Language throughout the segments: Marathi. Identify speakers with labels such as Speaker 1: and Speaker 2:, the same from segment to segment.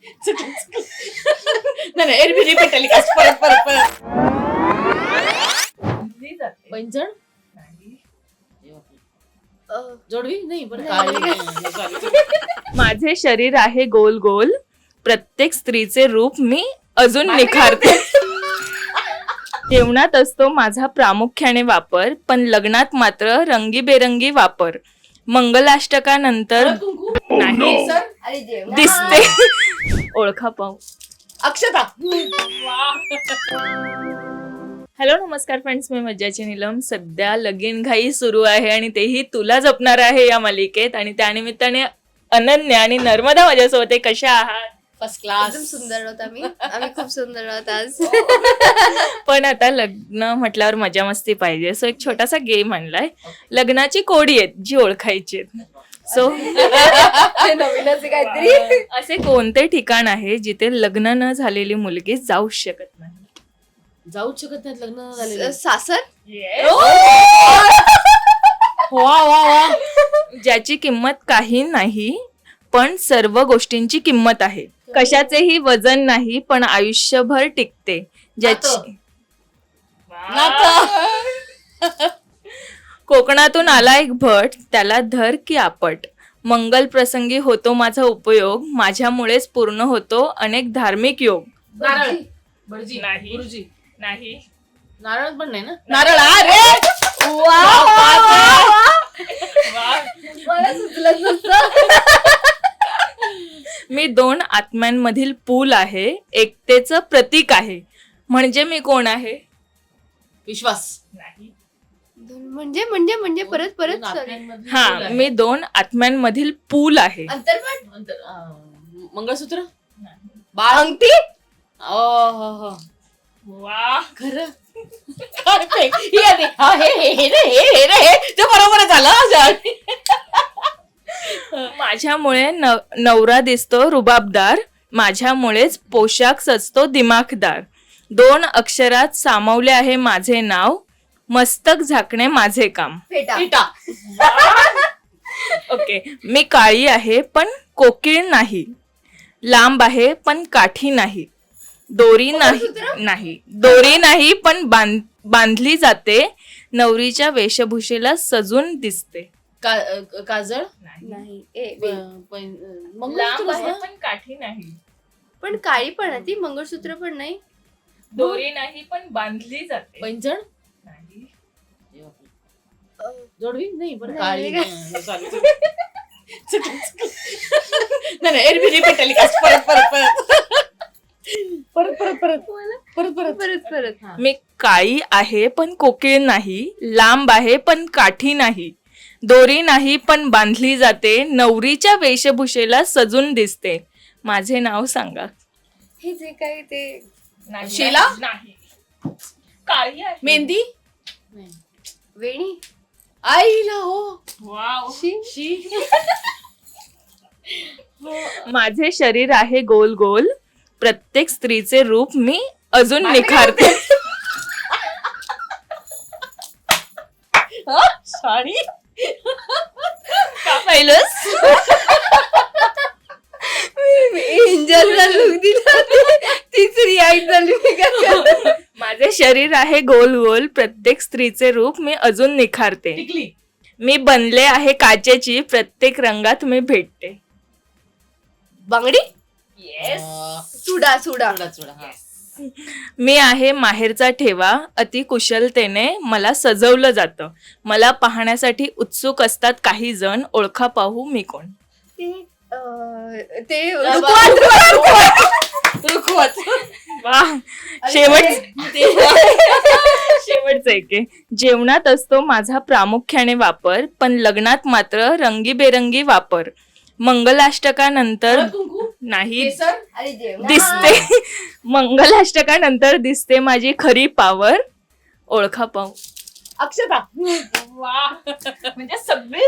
Speaker 1: नाही एरवी रिपीट टेलिकास्ट परत परत परत पैंजण जोडवी नाही बरं.
Speaker 2: माझे शरीर आहे गोल गोल, प्रत्येक स्त्रीचे रूप मी अजून निखारते. जेवणात असतो माझा प्रामुख्याने वापर, पण लग्नात मात्र रंगीबेरंगी वापर. मंगलाष्टकानंतर नाही दिसते. ओळखा पाहू.
Speaker 1: अक्षता.
Speaker 2: हॅलो नमस्कार फ्रेंड्स, मी मज्जाची नीलम. सध्या लगीन घाई सुरू आहे आणि तेही तुला जपणार आहे या मालिकेत. आणि त्यानिमित्ताने अनन्या आणि नर्मदा माझ्यासोबत आहे. कशा आहात?
Speaker 1: First class.
Speaker 3: एकदम सुंदर आहोत आम्ही खूप सुंदर आहोत आज.
Speaker 2: पण आता लग्न म्हटल्यावर मजा मस्ती पाहिजे, सो एक छोटासा गेम आणलाय. लग्नाची कोडी आहेत जी ओळखायची. सो
Speaker 3: नवीनच काहीतरी.
Speaker 2: असे कोणते ठिकाण आहे जिथे लग्न न झालेली मुलगी जाऊ शकत नाही?
Speaker 1: जाऊच शकत नाहीत लग्न झालेले.
Speaker 3: सासर.
Speaker 1: वा वा वा.
Speaker 2: ज्याची किंमत काही नाही पण सर्व गोष्टींची किंमत आहे. कशाचेही वजन नाही पण आयुष्यभर टिकते. ज्याची कोकणातून आला एक भट, त्याला धर की आपट. मंगल प्रसंगी होतो माझा उपयोग, माझ्यामुळेच पूर्ण होतो अनेक धार्मिक योग.
Speaker 1: नारळ. भटजी.
Speaker 2: नाही.
Speaker 1: गुरुजी.
Speaker 2: नाही.
Speaker 1: नारळ पण नाही ना. नारळ. अरे
Speaker 3: मला सुचलंच नसतं.
Speaker 2: मी दोन आत्म्यांमधील पूल आहे, एकतेचं प्रतीक आहे. म्हणजे मी कोण आहे?
Speaker 1: विश्वास.
Speaker 2: नाही.
Speaker 3: म्हणजे म्हणजे म्हणजे परत परत
Speaker 2: हा, मी दोन आत्म्यांमधील पूल आहे.
Speaker 3: अंतर्मन.
Speaker 1: मंगळसूत्र.
Speaker 3: बाळ. अंगठी.
Speaker 2: वा,
Speaker 1: खरं. बरोबर झालं.
Speaker 2: माझ्यामुळे नवरा दिसतो रुबाबदार, माझ्यामुळेच पोशाख सजतो दिमाखदार. दोन अक्षरात सामावले आहे माझे नाव, मस्तक झाकणे माझे काम.
Speaker 3: फेटा.
Speaker 2: ओके. मी काळी आहे पण कोकिळ नाही, लांब आहे पण काठी नाही. दोरी नाही पण बांधली जाते, नवरीच्या वेशभूषेला सजून दिसते.
Speaker 1: काजळ.
Speaker 3: नाही.
Speaker 2: लांब आहे पण काठी नाही,
Speaker 3: पण काळी पण आहे ती. मंगळसूत्र पण नाही.
Speaker 2: दोरी नाही पण बांधली जाते.
Speaker 1: पैंजण.
Speaker 2: नाही.
Speaker 1: जोडवी नाही बरं.
Speaker 3: नाही.
Speaker 1: काळी. नाही एरवी रिपीट टेलिकास्ट परत परत परत परत परत परत परत परत
Speaker 3: परत.
Speaker 2: मी काळी आहे पण कोकिळ नाही, लांब आहे पण काठी नाही. दोरी नाही पण बांधली जाते, नवरीच्या वेशभूषेला सजून दिसते. माझे नाव सांगा.
Speaker 3: हे जे काही ते
Speaker 1: शीला.
Speaker 2: नाही. काळी आहे.
Speaker 1: मेहंदी.
Speaker 3: वेणी.
Speaker 1: आईला. हो.
Speaker 2: वाव.
Speaker 1: शी.
Speaker 2: माझे शरीर आहे गोल गोल, प्रत्येक स्त्रीचे रूप मी अजून निखारते.
Speaker 1: साडी.
Speaker 2: का पाहिलंस?
Speaker 3: एंजलला लुक दिला, तीच रिॲक्ट झाली. मी काय करणार?
Speaker 2: माझे शरीर आहे गोल गोल, प्रत्येक स्त्रीचे रूप मी अजून निखारते.
Speaker 1: टिकली.
Speaker 2: मी बनले आहे काचेची, प्रत्येक रंगात मी भेटते.
Speaker 3: बांगडी.
Speaker 1: चुडा.
Speaker 2: मी आहे माहेरचा ठेवा, अति कुशलतेने मला सजवलं जातं. मला पाहण्यासाठी उत्सुक असतात काही जण, ओळखा पाहू मी कोण.
Speaker 3: ते
Speaker 1: रुखवत.
Speaker 2: वा, शेवटचं एक आहे. जेवणात असतो माझा प्रामुख्याने वापर, पण लग्नात मात्र रंगीबेरंगी वापर. मंगलाष्टकानंतर नाही दिसते. मंगलाष्टकानंतर दिसते माझी खरी पावर. ओळखा पाहू.
Speaker 3: अक्षता.
Speaker 2: म्हणजे सगळे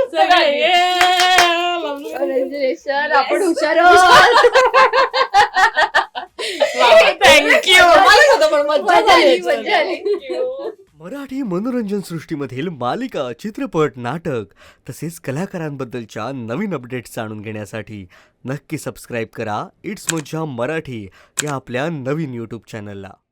Speaker 3: आपण हुशार आहोत.
Speaker 2: थँक्यू.
Speaker 3: मजा आली.
Speaker 4: मराठी मनोरंजन सृष्टीमधील मालिका, चित्रपट, नाटक तसेच कलाकारांबद्दलच्या नवीन अपडेट्स जाणून घेण्यासाठी नक्की सबस्क्राईब करा इट्स मज्जा मराठी या आपल्या नवीन यूट्यूब चॅनलला.